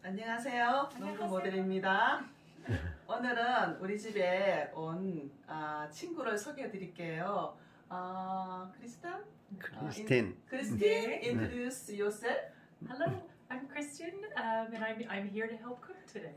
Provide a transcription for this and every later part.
안녕하세요. 농구 모델입니다. 오늘은 우리 집에 온 친구를 소개해 드릴게요. 크리스틴. 크리스틴, introduce yourself. Hello, I'm Kristen, and I'm here to help cook today.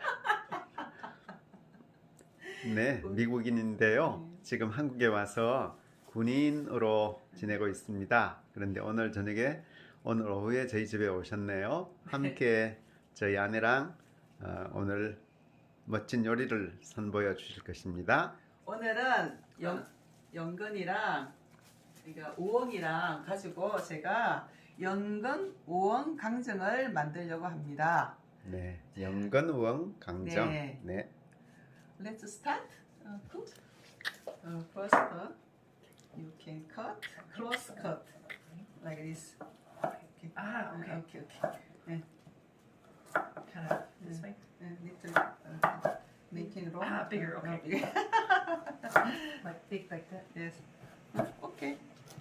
네, 미국인인데요. 지금 한국에 와서 군인으로 지내고 있습니다. 그런데 오늘 저녁에 오늘 오후에 저희 집에 오셨네요. 함께 저희 아내랑 오늘 멋진 요리를 선보여 주실 것입니다. 오늘은 연근이랑 그러니까 우엉이랑 가지고 제가 연근 우엉 강정을 만들려고 합니다. 네, 연근 우엉 강정. 네. 네. Let's start cook. First, you can cut, close cut, like this. Okay. Okay. Okay. 네. Kind of this way. Little making roll. Bigger, okay. Bigger. Like big like that. Yes. Okay.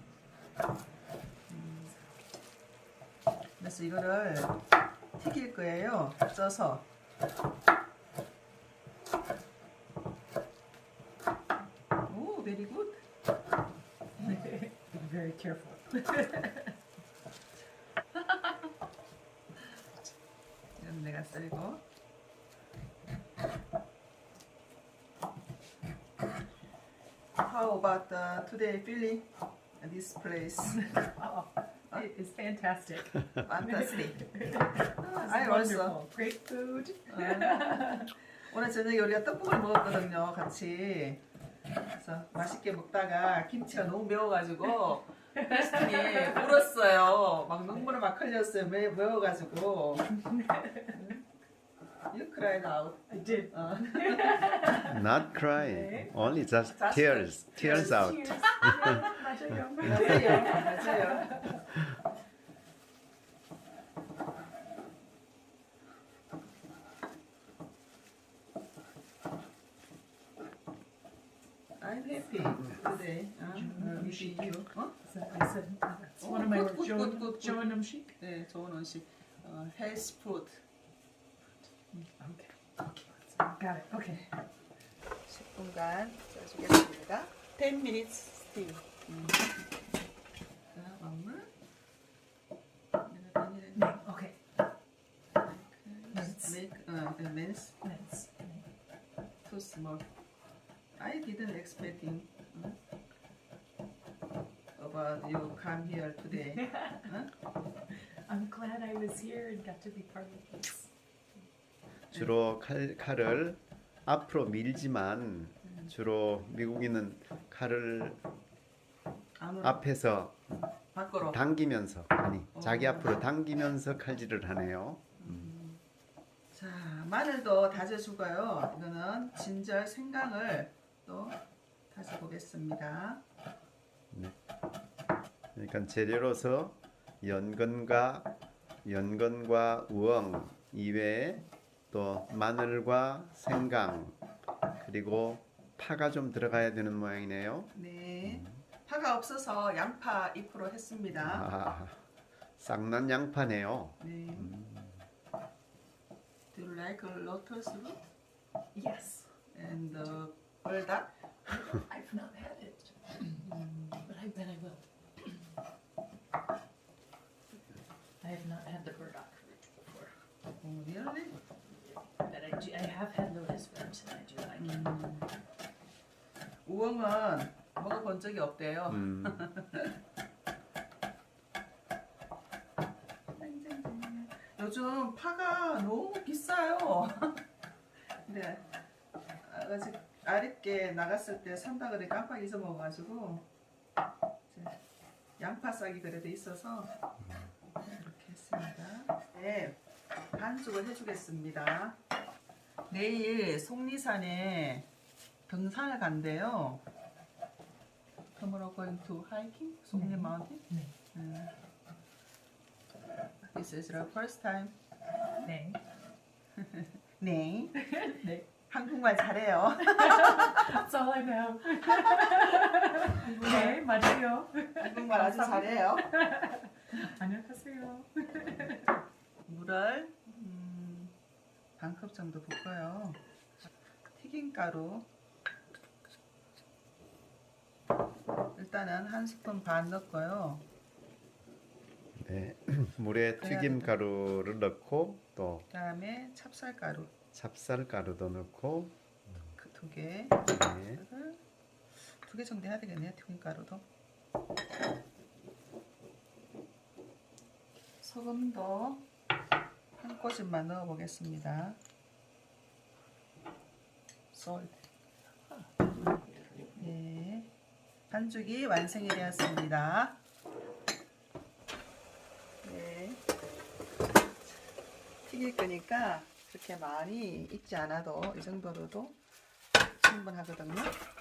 그래서 이거를 튀길 거예요. 쪄서. 오, very good. Be very careful. 이건 내가 썰고. How about today feeling this place? Oh, it is fantastic. Fantastic. It's I also. wonderful. Great food. 오늘 저녁에 우리가 떡국을 먹었거든요, 같이. 그래서 맛있게 먹다가 김치가 너무 매워가지고 크리스틴이 울었어요. 막 눈물을 막 흘렸어요. 매워가지고. You cried out. I did. Not crying, only just Just tears, tears out. Cheers. 맞아요. 맞아요. I'm happy today. With you. I said that's one of my words. good. Joan Umshik. 네, 좋은 음식. Health food. Okay. Got it. Okay. 10분간 쪄주겠습니다. 10 minutes steam. 자, 막물. Okay. Mince. Mince. Mince. Too small. I didn't expecting about you come here today. I'm glad I was here and got to be part of this. 주로 칼을 앞으로 밀지만 주로 미국인은 칼을 앞에서 밖으로. 당기면서 자기 앞으로 당기면서 칼질을 하네요. 자, 마늘도 다져주고요. 이거는 진절 생강을 또 다져보겠습니다. 그러니까 재료로서 연근과 우엉 이외에 또 마늘과 생강 그리고 파가 좀 들어가야 되는 모양이네요. 네, 파가 없어서 양파 잎으로 했습니다. 쌍난 양파네요. 네. Do you like lotus root Yes. and burdock? I've not had it, but I bet I will. I have not had the burdock root before, Oh, really? but I have had lotus root, and I do like it. 우엉은 먹어본 적이 없대요. 요즘 파가 너무 비싸요. 근데 아직 아랫게 나갔을 때 산다 그래 깜빡 잊어먹어가지고 양파 싹이 그래도 있어서 이렇게 했습니다. 네, 반죽을 해주겠습니다. 내일 속리산에 등산을 간대요. Tomorrow going to hiking? 속리 mountain? 네. This is the first time. 네. 네. 네. 한국말 잘해요. That's all I know. 네, 맞아요. 한국말 아주 잘해요. 안녕하세요. 물을 반 컵 정도 붓고요. 튀김가루 일단은 1스푼 반 넣고요. 네. 물에 그래야 튀김 가루를 넣고 또 그다음에 찹쌀가루 찹쌀가루도 넣고 그 2개, 네. 2개 정도 해야 되겠네요. 튀김가루도. 소금도 한 꼬집만 넣어 보겠습니다. salt. 네. 반죽이 완성이 되었습니다. 네. 튀길 거니까 그렇게 많이 익지 않아도 이 정도로도 충분하거든요.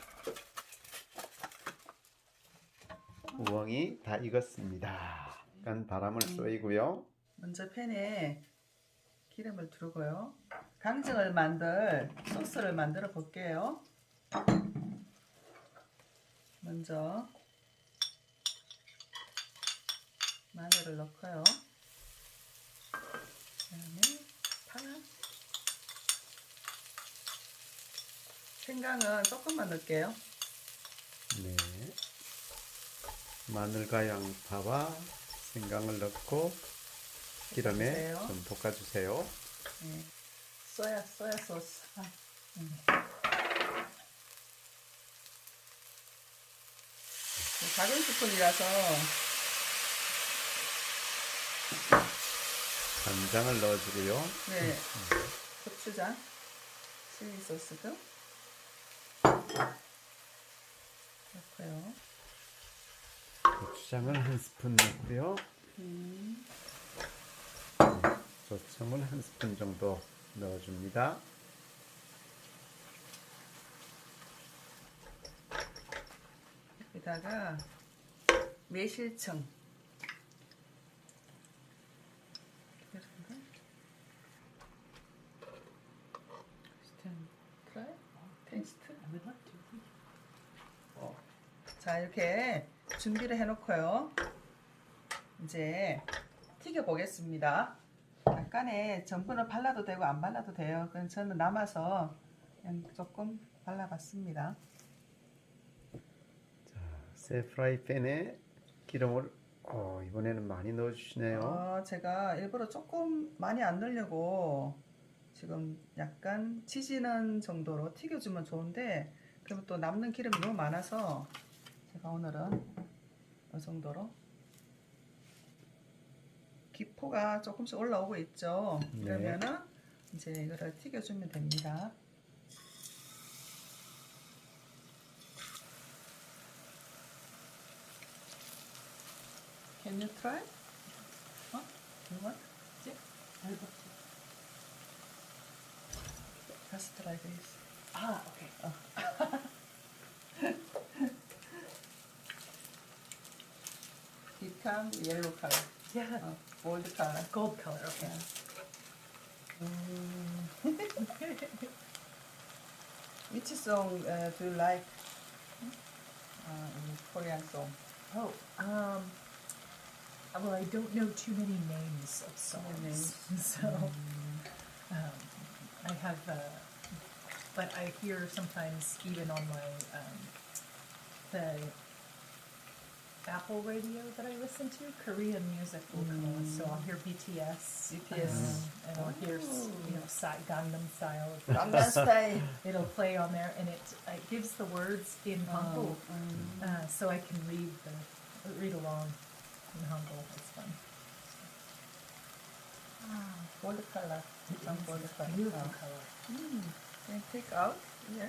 우엉이 다 익었습니다. 약간 바람을 쏘이고요. 먼저 팬에 기름을 두르고요. 강정을 만들 소스를 만들어 볼게요. 먼저 마늘을 넣고요. 그다음에 파, 생강은 조금만 넣을게요. 네. 마늘과 양파와 생강을 넣고 기름에 볶아주세요. 좀 볶아주세요. 네. 소야 소스. 작은 스푼이라서 간장을 넣어주고요. 네. 고추장, 칠리 소스도 넣고요. 고추장을 1스푼 넣고요. 조청을 1스푼 정도 넣어줍니다. 여기다가 매실청 테이스트. I would like to. 자, 이렇게 준비를 해놓고요. 이제 튀겨 보겠습니다. 약간의 전분을 발라도 되고 안 발라도 돼요. 그건 저는 남아서 그냥 조금 발라봤습니다. 새 프라이팬에 기름을 이번에는 많이 넣어주시네요. 제가 일부러 조금 많이 안 넣으려고 지금 약간 지지는 정도로 튀겨주면 좋은데 그러면 또 남는 기름이 너무 많아서 제가 오늘은 이 정도로 기포가 조금씩 올라오고 있죠. 네. 그러면은 이제 이거를 튀겨주면 됩니다. Can you try? You want? Yeah, I would love to. Just try this. Ah, okay. Become yellow color, Yeah, gold color. gold color. Okay. Which song do you like? Korean song. Oh, well, I don't know too many names of Many songs, names. so I have, but I hear sometimes even on my the Apple radio that I listen to, Korean music will come on. So I'll hear BTS, BTS. and I'll hear Gangnam Style. Gangnam Style. It'll play on there, and it gives the words in Hangul, so I can read along in Hangul. It's fun. Gold color. Some gold color. Beautiful color. Can you take out? Yeah.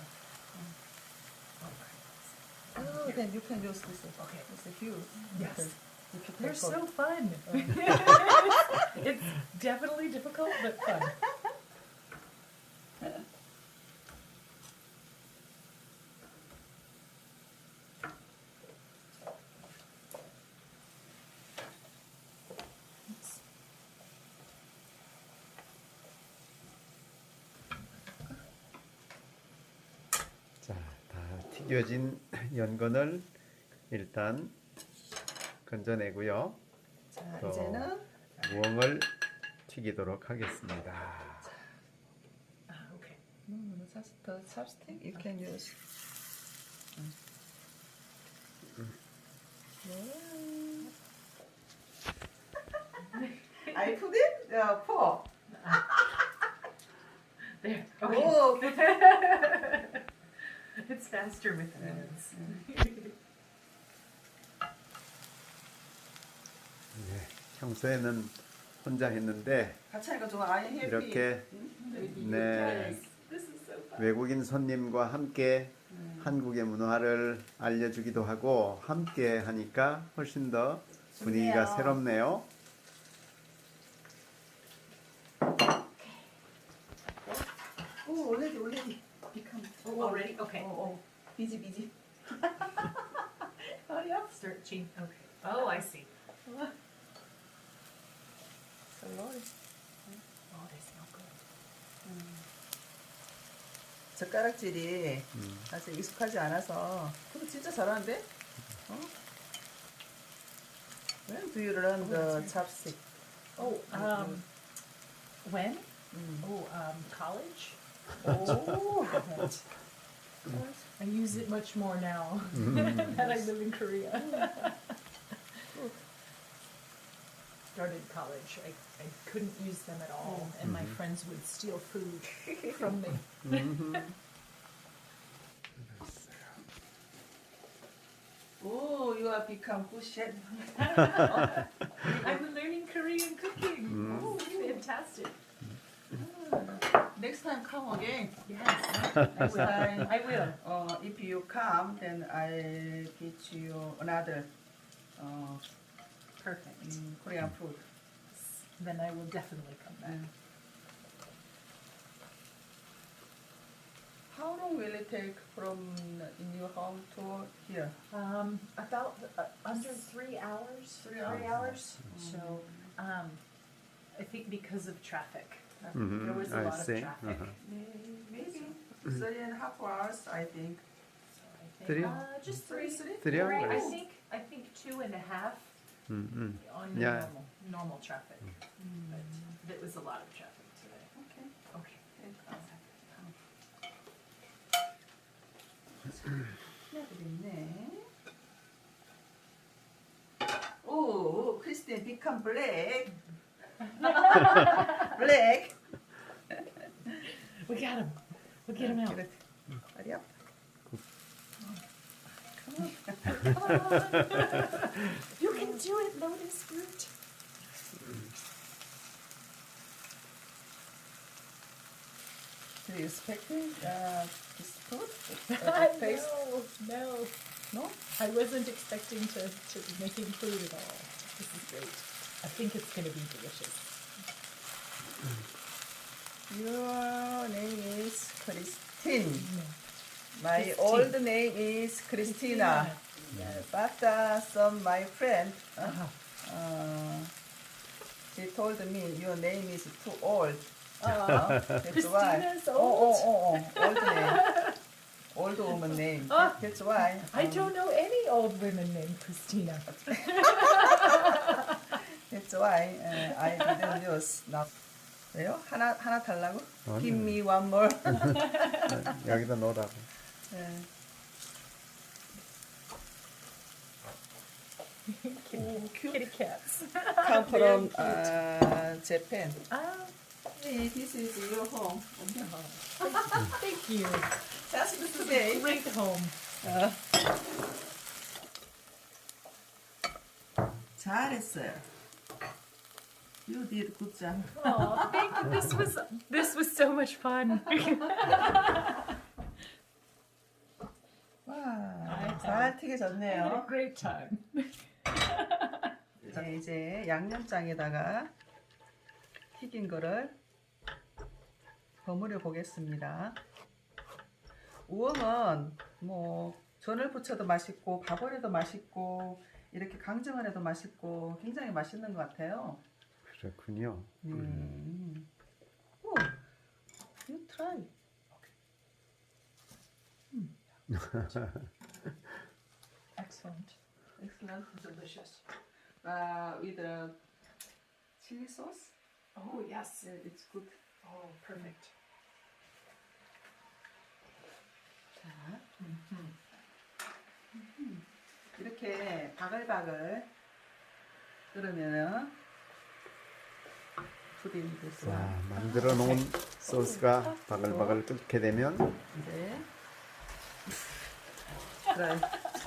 Oh, then you can use this. Okay. It's a huge. Yes. Because They're difficult. so fun. It's definitely difficult, but fun. 자, 다 튀겨진 연근을 일단 건져내고요. 자, 또 이제는 우엉을 튀기도록 하겠습니다. No, just the chopstick you can use. I put it pour. There. Oh, It's faster with hands. 네, 평소에는 혼자 했는데 같이 하니까 좀 아예 해피. 이렇게 네, This is so fun. 외국인 손님과 함께 한국의 문화를 알려주기도 하고 함께 하니까 훨씬 더 분위기가 좋네요. 새롭네요. 오, already become. Oh, already? Okay. busy. Hurry up. Start change. Okay. Oh, I see. Slowly. Oh, they smell good. 젓가락질이 아직 익숙하지 않아서. 근데 진짜 잘하는데? 어? When do you learn the chopstick? Oh, when? 음. Oh, college. 오. I use it much more now that I live in Korea. Started college. I couldn't use them at all, and my friends would steal food from me. 오, you have become good chef. I'm learning Korean cooking. Oh, fantastic. Next time come again. Yes, Next time. I will. If you come, then I'll get you another Perfect. Korean food. Then I will definitely come back. How long will it take from in your home to here? About under 3 hours. 3 hours. 3 hours. So, I think because of traffic. Mhm, There was a I lot of see. traffic. Maybe 3.5 hours, I think. So I think, Three? just Three, three. three? 3 Right, hours? I think 2.5 on the Yeah. normal traffic. But there was a lot of traffic today. Okay. Okay. 있네. 오, 크리스틴 become black. black. We got him. We'll get him out. Good. Hurry up. You can do it, Lotus Fruit. Do you expect this food? Taste? No. No? I wasn't expecting to be making food at all. This is great. I think it's going to be delicious. Your name is Christine. My Christine. old name is Christina. But some my friend, she told me your name is too old. That's why. Christina's old name. Old woman name. That's why. I don't know any old women named Christina. That's why I didn't use now. 왜요? 하나 달라고? 아니요. Give me one more. 여기다 넣으라고. 네. Kitty cats. Come from Japan. Ah, Hey, this is your home. thank you. Just today. Great home. 잘했어요. You did good job. Oh, thank you. This was so much fun. 와, 잘 튀겨졌네요. I had a great time. 네, 이제 양념장에다가 튀긴 거를 버무려 보겠습니다. 우엉은 뭐 전을 부쳐도 맛있고 밥을 해도 맛있고 이렇게 강정을 해도 맛있고 굉장히 맛있는 것 같아요. 그렇군요. 오, you try. Excellent. Excellent. Delicious. With the chili sauce. Oh, yes. Yeah, it's good. Oh, perfect. 자, 이렇게 바글바글 끓으면은 푸딩 됐어. 자, 만들어 놓은 소스가 바글바글 끓게 되면 이제 그래.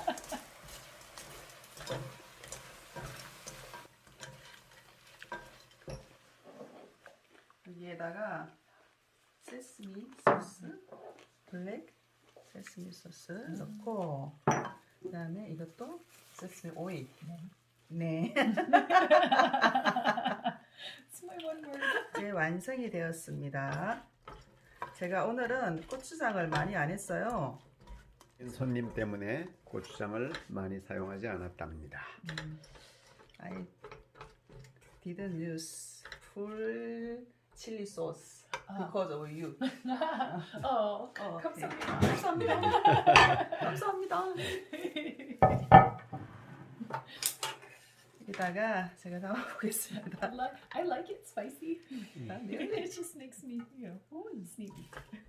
여기에다가 세스미 소스, 블랙 세스미 소스 넣고 그다음에 이것도 세스미 오일. 네. It's my one word. 이제 완성이 되었습니다. 제가 오늘은 고추장을 많이 안 했어요. 손님 때문에 고추장을 많이 사용하지 않았답니다. I didn't use full chili sauce because of you. Oh, 오케이. 감사합니다. 감사합니다. 감사합니다. 여기다가 제가 담아보겠습니다. I like it spicy. 네. It just makes me, sneaky.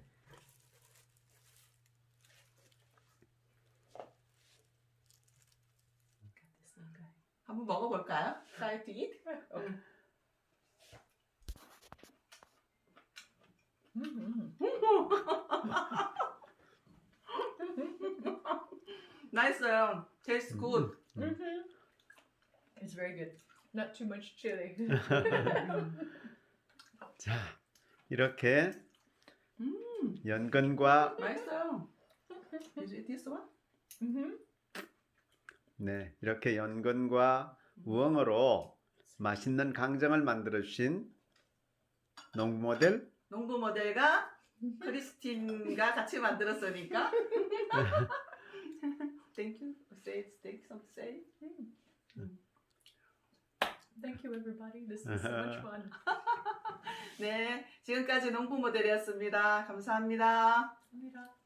한번 먹어볼까요? Try to eat? 맛있어요. Tastes good. It's very good. Not too much chili. 자, 이렇게 연근과 맛있어요. Did you eat this one? 네, 이렇게 연근과 우엉으로 맛있는 강정을 만들어 주신 농부 모델 농부 모델과 크리스틴과 같이 만들었으니까. Thank you. Say something to say. Thank you, everybody. This was so much fun. 네, 지금까지 농부 모델이었습니다. 감사합니다. 감사합니다.